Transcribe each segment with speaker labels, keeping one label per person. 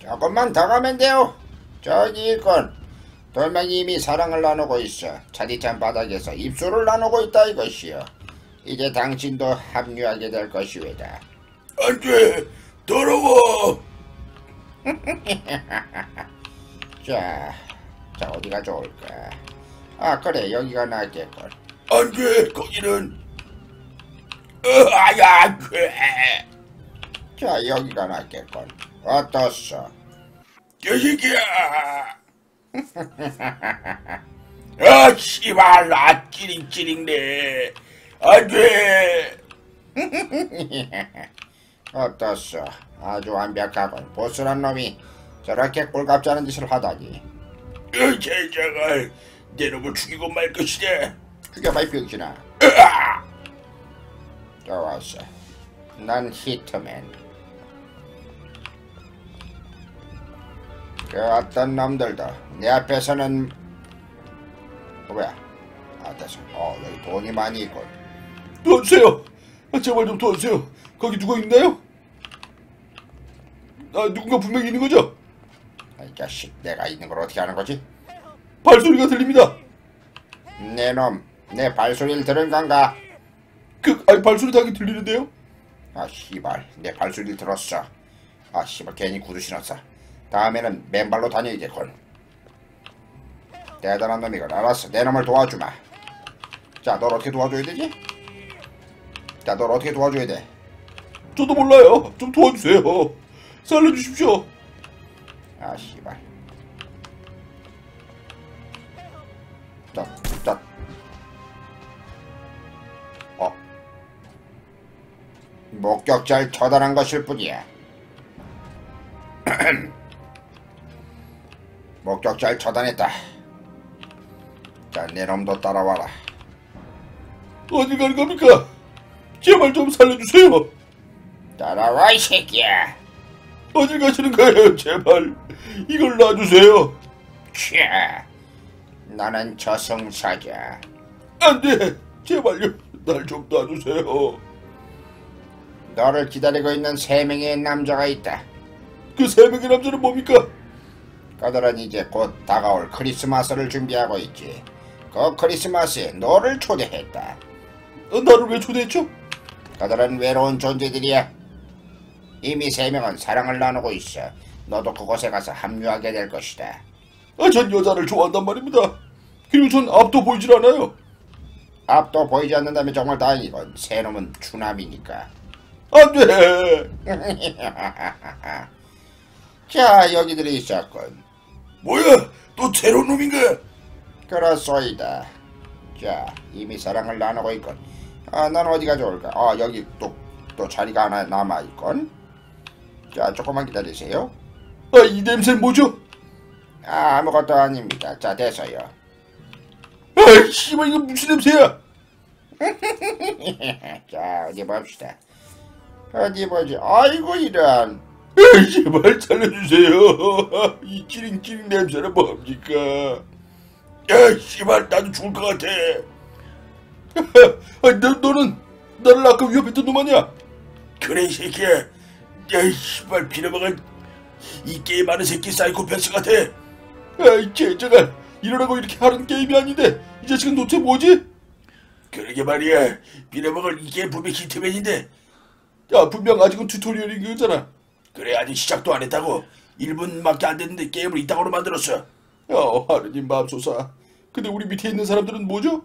Speaker 1: 조금만 더 가면 돼요. 저기 있건. 돌멩이 이미 사랑을 나누고 있어. 차디찬 바닥에서 입술을 나누고 있다 이것이요. 이제 당신도 합류하게 될 것이외다.
Speaker 2: 안돼, 더러워.
Speaker 1: 자 어디가 좋을까? 아 그래 여기가 낫겠군.
Speaker 2: 안돼, 거기는 아야.
Speaker 1: 자 여기가 낫겠군. 어떻소?
Speaker 2: 개새끼야. 아 씨발, 나 찌링찌링네. 안돼.
Speaker 1: 어떻소? 아주 완벽하군. 보스란 놈이 저렇게 꼴값지 않은 짓을 하다니.
Speaker 2: 제자가 내 놈을 죽이고 말 것이다.
Speaker 1: 죽여봐 이 병신아. 좋았어. 난 히트맨. 그 어떤 놈들도 내 앞에서는 뭐야? 아 됐어. 여기 돈이 많이 있군.
Speaker 2: 도와주세요. 제발 좀 도와주세요. 거기 누가 있나요? 누군가 분명히 있는 거죠?
Speaker 1: 이 자식 내가 있는 걸 어떻게 아는 거지?
Speaker 2: 발소리가 들립니다.
Speaker 1: 내 놈, 내 발소리를 들은 건가?
Speaker 2: 발소리 당연히 들리는데요?
Speaker 1: 아 씨발 내 발소리를 들었어. 아 씨발 괜히 구두 신었어. 다음에는 맨발로 다녀야겠군. 대단한 놈이건. 알았어 내 놈을 도와주마. 자 널 어떻게 도와줘야 되지? 자 널 어떻게 도와줘야 돼?
Speaker 2: 저도 몰라요. 좀 도와주세요. 살려주십시오.
Speaker 1: 아 씨발. 목격자를 처단한 것일 뿐이야. 목격자를 처단했다. 자, 내 놈도 따라와라.
Speaker 2: 어디 가는 겁니까? 제발 좀 살려주세요.
Speaker 1: 따라와 이 새끼야.
Speaker 2: 어디 가시는 거예요? 제발 이걸 놔주세요.
Speaker 1: 차, 나는 저승사자.
Speaker 2: 안돼, 제발요. 날 좀 놔주세요.
Speaker 1: 너를 기다리고 있는 3명의 남자가 있다.
Speaker 2: 그 3명의 남자는 뭡니까?
Speaker 1: 그들은 이제 곧 다가올 크리스마스를 준비하고 있지. 그 크리스마스에 너를 초대했다.
Speaker 2: 나를 왜 초대했죠?
Speaker 1: 그들은 외로운 존재들이야. 이미 3명은 사랑을 나누고 있어. 너도 그곳에 가서 합류하게 될 것이다.
Speaker 2: 전 여자를 좋아한단 말입니다. 그리고 전 앞도 보이질 않아요.
Speaker 1: 앞도 보이지 않는다면 정말 다행이건. 새 놈은 추남이니까.
Speaker 2: 안돼.
Speaker 1: 자 여기들이 있었군.
Speaker 2: 뭐야? 또 새로운 놈인가?
Speaker 1: 그렇소이다. 자 이미 사랑을 나누고 있건. 넌 어디가 좋을까? 여기 또 자리가 하나 남아있건. 자 조금만 기다리세요.
Speaker 2: 이 냄새는 뭐죠?
Speaker 1: 아무것도 아닙니다. 자 됐어요.
Speaker 2: 씨발, 이거 무슨 냄새야?
Speaker 1: 자 어디 봅시다. 어디 보지. 아이고 이런.
Speaker 2: 제발 살려주세요. 이 찌링찌링 냄새는 뭡니까? 야 씨발, 나도 죽을 것 같아. 너는 나를 아까 위협했던 놈 아니야? 그래 이 새끼야. 야 씨발, 빌어먹은 이 게임 하는 새끼 사이코패스 같아. 이 제자가 이러라고 이렇게 하는 게임이 아닌데 이 자식은 도대체 뭐지? 그러게 말이야. 빌어먹을 이 게임 분명 히트맨인데. 야 분명 아직은 튜토리얼인 거잖아. 그래, 아직 시작도 안 했다고. 1분밖에 안 됐는데 게임을 이따구로 만들었어. 하느님 맙소사. 근데 우리 밑에 있는 사람들은 뭐죠?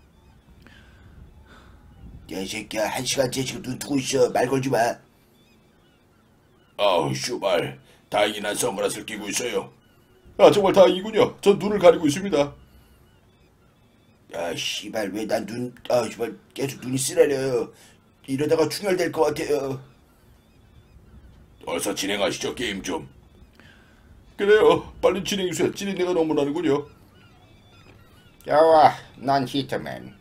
Speaker 1: 야, 이 새끼야, 1시간째 지금 눈 뜨고 있어. 말 걸지 마.
Speaker 2: 아우, 슈발. 다행히 난 선글라스를 끼고 있어요. 정말 다행이군요. 전 눈을 가리고 있습니다.
Speaker 1: 야, 씨발, 왜 난 씨발, 계속 눈이 쓰라려요. 이러다가 충혈될 것 같아요.
Speaker 2: 어서 진행하시죠, 게임 좀. 그래요. 빨리 진행해주세요. 찌린내가 너무 나는군요.
Speaker 1: 좋아, 난 히트맨.